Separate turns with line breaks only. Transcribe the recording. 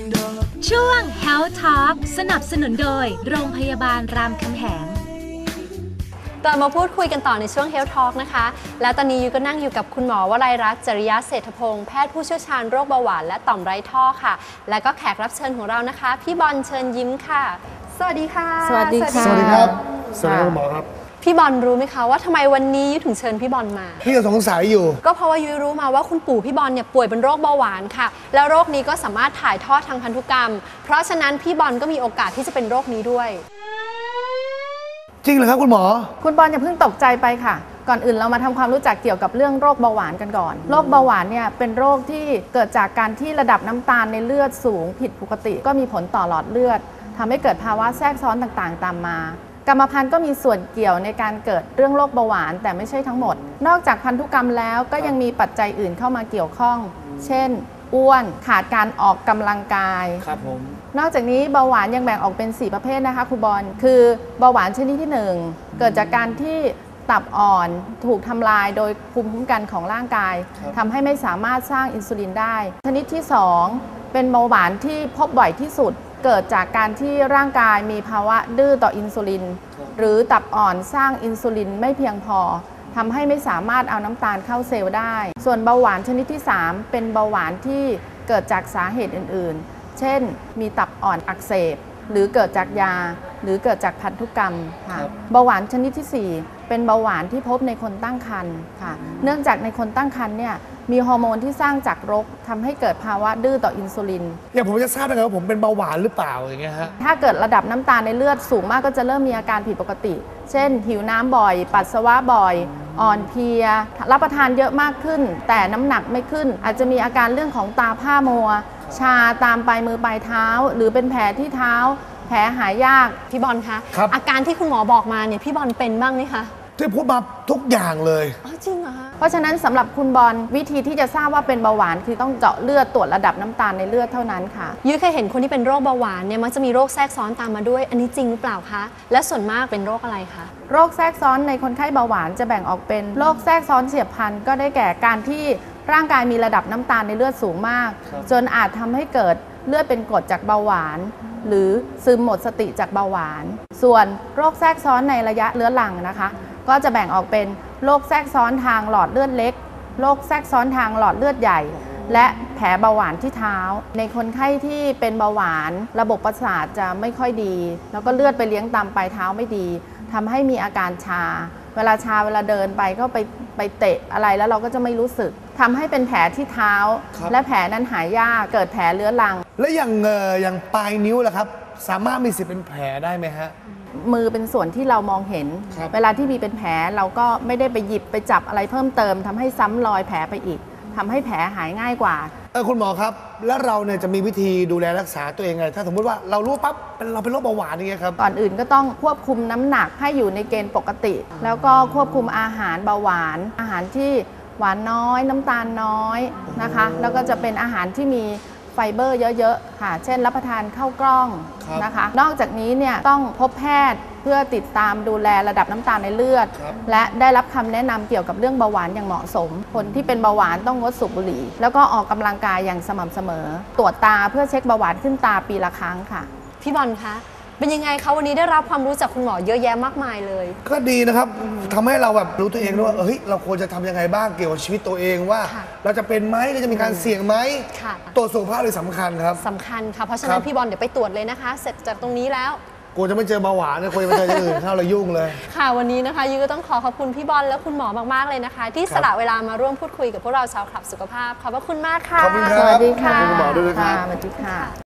ช่วง Health Talk สนับสนุนโดยโรงพยาบาลรามคำแหง
กลับมาพูดคุยกันต่อในช่วง Health Talk นะคะและตอนนี้ยูก็นั่งอยู่กับคุณหมอวลัยรัตน์ จริยเศรษฐพงศ์แพทย์ผู้เชี่ยวชาญโรคเบาหวานและต่อมไร้ท่อค่ะและก็แขกรับเชิญของเรานะคะพี่บอลเชิญยิ้มค่ะสวัสดีค่ะ
สวัสดีค่ะ
สวัสดีครับสวัสดีคุณหมอครับ
พี่บอลรู้ไหมคะว่าทำไมวันนี้ยูถึงเชิญพี่บอลมา
พี่ก็สงสัยอยู่
ก็เพราะว่ายูรู้มาว่าคุณปู่พี่บอลเนี่ยป่วยเป็นโรคเบาหวานค่ะแล้วโรคนี้ก็สามารถถ่ายทอดทางพันธุกรรมเพราะฉะนั้นพี่บอลก็มีโอกาสที่จะเป็นโรคนี้ด้วย
จริงเหรอครับคุณหมอ
คุณบอลอย่าเพิ่งตกใจไปค่ะก่อนอื่นเรามาทำความรู้จักเกี่ยวกับเรื่องโรคเบาหวานกันก่อนโรคเบาหวานเนี่ยเป็นโรคที่เกิดจากการที่ระดับน้ำตาลในเลือดสูงผิดปกติก็มีผลต่อหลอดเลือดทำให้เกิดภาวะแทรกซ้อนต่างๆตามมากรรมพันธุ์ก็มีส่วนเกี่ยวในการเกิดเรื่องโรคเบาหวานแต่ไม่ใช่ทั้งหมดนอกจากพันธุกรรมแล้วก็ยังมีปัจจัยอื่นเข้ามาเกี่ยวข้องเช่นอ้วนขาดการออกกำลังกาย
ครับผม
นอกจากนี้เบาหวานยังแบ่งออกเป็น4ประเภทนะคะครูบอลคือเบาหวานชนิดที่1เกิดจากการที่ตับอ่อนถูกทำลายโดยภูมิคุ้มกันของร่างกายทำให้ไม่สามารถสร้างอินซูลินได้ชนิดที่2เป็นเบาหวานที่พบบ่อยที่สุดเกิดจากการที่ร่างกายมีภาวะดื้อต่ออินซูลินหรือตับอ่อนสร้างอินซูลินไม่เพียงพอทำให้ไม่สามารถเอาน้ำตาลเข้าเซลล์ได้ส่วนเบาหวานชนิดที่3เป็นเบาหวานที่เกิดจากสาเหตุอื่นๆเช่นมีตับอ่อนอักเสบหรือเกิดจากยาหรือเกิดจากพันธุกรรมค่ะเบาหวานชนิดที่4เป็นเบาหวานที่พบในคนตั้งครรภ์ค่ะเนื่องจากในคนตั้งครรภ์เนี่ยมีฮอร์โมนที่สร้างจากรกทำให้เกิดภาวะดื้อต่ออินซูลิน
อย่างผมจะทราบได้ไงว่าผมเป็นเบาหวานหรือเปล่าอย่างเงี้ยฮะ
ถ้าเกิดระดับน้ำตาลในเลือดสูงมากก็จะเริ่มมีอาการผิดปกติเช่นหิวน้ำบ่อยปัสสาวะบ่อยอ่อนเพลียรับประทานเยอะมากขึ้นแต่น้ำหนักไม่ขึ้นอาจจะมีอาการเรื่องของตาผ้ามัวชาตามปลายมือปลายเท้าหรือเป็นแผลที่เท้าแผลหายยาก
พี่บอลคะอาการที่คุณหมอบอกมาเนี่ยพี่บอลเป็นบ้างไหมคะ
ที่พูดมาทุกอย่างเลย
จริงเหรอคะ
เพราะฉะนั้นสำหรับคุณบอลวิธีที่จะทราบว่าเป็นเบาหวานคือต้องเจาะเลือดตรวจระดับน้ำตาลในเลือดเท่านั้นค่ะ
ยุ้ยเคยเห็นคนที่เป็นโรคเบาหวานเนี่ยมักจะมีโรคแทรกซ้อนตามมาด้วยอันนี้จริงหรือเปล่าคะและส่วนมากเป็นโรคอะไรคะ
โรคแทรกซ้อนในคนไข้เบาหวานจะแบ่งออกเป็นโรคแทรกซ้อนเฉียบพลันก็ได้แก่การที่ร่างกายมีระดับน้ำตาลในเลือดสูงมากจนอาจทำให้เกิดเลือดเป็นกรดจากเบาหวานหรือซึมหมดสติจากเบาหวานส่วนโรคแทรกซ้อนในระยะเรื้อรังนะคะก็จะแบ่งออกเป็นโรคแทรกซ้อนทางหลอดเลือดเล็กโรคแทรกซ้อนทางหลอดเลือดใหญ่และแผลเบาหวานที่เท้าในคนไข้ที่เป็นเบาหวานระบบประสาทจะไม่ค่อยดีแล้วก็เลือดไปเลี้ยงตามปลายเท้าไม่ดีทำให้มีอาการชาเวลาเวลาเดินไปก็ไปเตะอะไรแล้วเราก็จะไม่รู้สึกทำให้เป็นแผลที่เท้าและแผลนั้นหายยากเกิดแผลเรื้อรัง
แล้วอย่างปลายนิ้วล่ะครับสามารถมีสิทธิ์เป็นแผลได้ไหมฮะ
มือเป็นส่วนที่เรามองเห็นเวลาที่มีเป็นแผลเราก็ไม่ได้ไปหยิบไปจับอะไรเพิ่มเติมทำให้ซ้ำรอยแผลไปอีกทำให้แผลหายง่ายกว่า
คุณหมอครับแล้วเราเนี่ยจะมีวิธีดูแลรักษาตัวเองไงถ้าสมมติว่าเรารู้ปั๊บเราเป็นโรคเบาหวานอย่างเงี้ยครับ
ก่อนอื่นก็ต้องควบคุมน้ำหนักให้อยู่ในเกณฑ์ปกติแล้วก็ควบคุมอาหารเบาหวานอาหารที่หวานน้อยน้ำตาลน้อยนะคะแล้วก็จะเป็นอาหารที่มีไฟเบอร์เยอะๆค่ะเช่นรับประทานข้าวกล้องนะคะนอกจากนี้เนี่ยต้องพบแพทย์เพื่อติดตามดูแลระดับน้ำตาลในเลือดและได้รับคำแนะนำเกี่ยวกับเรื่องเบาหวานอย่างเหมาะสมคนที่เป็นเบาหวานต้องงดสูบบุหรี่แล้วก็ออกกำลังกายอย่างสม่ำเสมอตรวจตาเพื่อเช็คเบาหวานขึ้นตาปีละครั้งค่ะ
พี่บอลคะเป็นยังไงคะวันนี้ได้รับความรู้จากคุณหมอเยอะแยะมากมายเลย
ก็ดีนะครับทำให้เราแบบรู้ตัวเองด้วยว่าเราควรจะทำยังไงบ้างเกี่ยวกับชีวิตตัวเองว่าเราจะเป็นไหมเราจะมีการเสี่ยงไหมตรวจสุขภาพเลยสำคัญครับ
สำคัญค่ะเพราะฉะนั้นพี่บอลเดี๋ยวไปตรวจเลยนะคะเสร็จจากตรงนี้แล้ว
กูจะไม่เจอเบาหวานนะกูจะไปเจออย่างอื่นเข้าเรายุ่งเลย
ค่ะวันนี้นะคะยูก็ต้องขอบคุณพี่บอลและคุณหมอมากๆเลยนะคะที่สละเวลามาร่วมพูดคุยกับพวกเราชาวคลับสุขภาพขอบพระคุณมากค่ะ
ขอบคุณครับ
สวัสดีค่ะ
ขอบคุณหมอด้วยครับ
สวัสดีค่ะ